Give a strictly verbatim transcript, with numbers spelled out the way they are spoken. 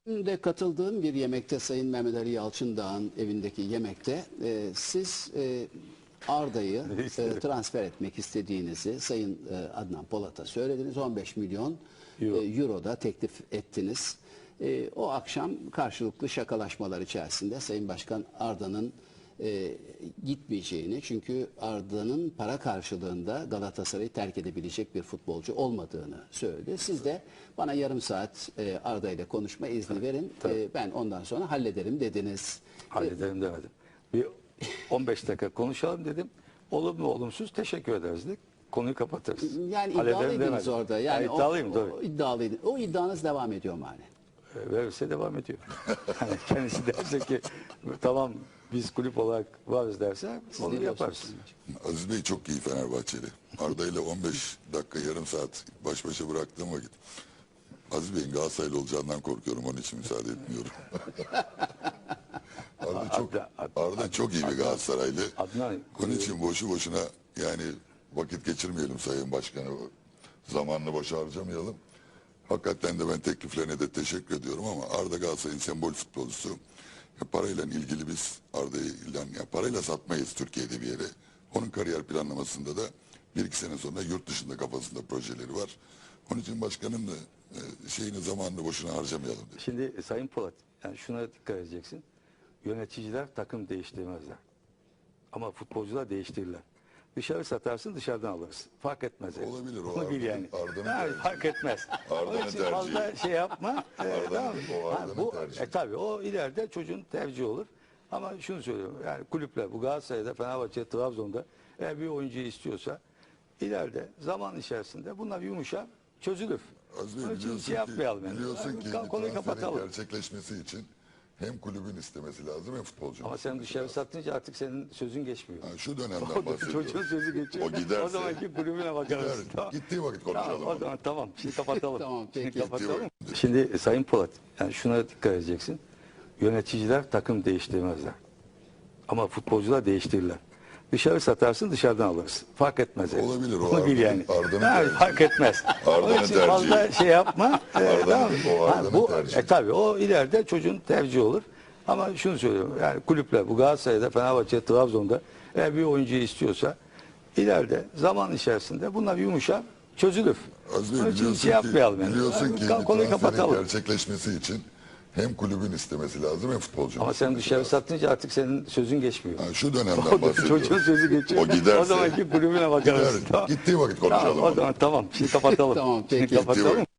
De katıldığım bir yemekte Sayın Mehmet Ali Yalçındağ'ın evindeki yemekte e, siz e, Arda'yı e, transfer etmek istediğinizi Sayın e, Adnan Polat'a söylediniz. on beş milyon Euro. e, euro da teklif ettiniz. E, o akşam karşılıklı şakalaşmalar içerisinde Sayın Başkan Arda'nın e, gitmeyeceğini, çünkü Arda'nın para karşılığında Galatasaray'ı terk edebilecek bir futbolcu olmadığını söyledi. Siz de bana yarım saat e, Arda ile konuşma izni verin, e, ben ondan sonra hallederim dediniz. Hallederim demedim. Bir on beş dakika konuşalım dedim. Olumlu olumsuz teşekkür ederiz dedik. Konuyu kapatırız. Yani Hallederim iddialıydınız demedim. orada. Yani Yani iddialıyım o, tabii. o, iddialıydı. O iddianız devam ediyor mu hani? E, Verirse devam ediyor. Yani kendisi derse ki tamam biz kulüp olarak varız derse Siz onu ne yaparız. diyorsunuz? Aziz Bey çok iyi Fenerbahçeli. Arda ile on beş dakika yarım saat baş başa bıraktığım vakit Aziz Bey'in Galatasaraylı olacağından korkuyorum, onun için müsaade etmiyorum. Arda çok, Adnan- Arda çok iyi bir Galatasaraylı. Adnan- Onun için boşu boşuna yani vakit geçirmeyelim Sayın Başkanı. Zamanını boşa harcamayalım. Hakikaten de ben tekliflerine de teşekkür ediyorum ama Arda Galatasaray'ın sembol futbolcusu. Ya parayla ilgili biz Arda'yı ya parayla satmayız Türkiye'de bir yere. Onun kariyer planlamasında da bir iki sene sonra yurt dışında kafasında projeleri var. Onun için başkanım da e, şeyini zamanını boşuna harcamayalım dedi. Şimdi e, Sayın Polat, yani şuna dikkat edeceksin. Yöneticiler takım değiştirmezler. Ama futbolcular değiştirirler. Dışarı satarsın, dışarıdan alırsın. Fark etmez. yani. Olabilir, o Onu bil Arda'nın- yani. Arda'nın Ha, tercihi. fark etmez. Arda'nın Onun için tercihi. fazla şey yapma. Ee, Arda'nın- tamam mı? o Ha, Arda'nın bu, tercihi. e, tabii o ileride çocuğun tercihi olur. Ama şunu söylüyorum. Yani kulüpler bu Galatasaray'da, Fenerbahçe, Trabzon'da eğer bir oyuncuyu istiyorsa ileride zaman içerisinde bunlar yumuşar, çözülür. Aziz Bey, Onun için biliyorsun şey yapmayalım. ki, Yani. biliyorsun ki Ka- bir konuyu transferin kapatalım. gerçekleşmesi için hem kulübün istemesi lazım hem futbolcunun Ama sen istemesi dışarı lazım. satınca artık senin sözün geçmiyor. Ha, şu dönemden O da bahsediyorum. çocuğun sözü geçiyor. O giderse- O zamanki kulübüne bakarız. Gider, Tamam. gittiği vakit konuşalım Tamam, o onu. zaman tamam. Şimdi kapatalım. Tamam, Şimdi peki. kapatalım. Şimdi e, Sayın Polat, yani şuna dikkat edeceksin. Yöneticiler takım değiştirmezler. Ama futbolcular değiştirirler. Dışarı satarsın, dışarıdan alırsın. Fark etmez. yani. Olabilir, o Onu bil Arda'nın- yani. Arda'nın Ha, tercihi. fark etmez. Arda'nın Onun için tercihi. fazla şey yapma. Ee, Arda'nın- tamam mı? o Ha, Arda'nın bu, tercihi. e, tabii o ileride çocuğun tercihi olur. Ama şunu söylüyorum. Yani kulüpler bu Galatasaray'da, Fenerbahçe, Trabzon'da eğer bir oyuncuyu istiyorsa ileride zaman içerisinde bunlar yumuşar, çözülür. Aziz Bey, Onun için biliyorsun şey yapmayalım ki, yani. biliyorsun ki Ka- bir konuyu transferin kapatalım. gerçekleşmesi için hem kulübün istemesi lazım hem futbolcunun Ama sen istemesi dışarı lazım. satınca artık senin sözün geçmiyor. Ha, şu dönemden O da bahsediyorum. çocuğun sözü geçiyor. O giderse- O zamanki kulübüne bakarız. Gider, gittiği vakit konuşalım Tamam, o onu. zaman tamam. Şimdi kapatalım. Tamam, Şimdi peki. kapatalım.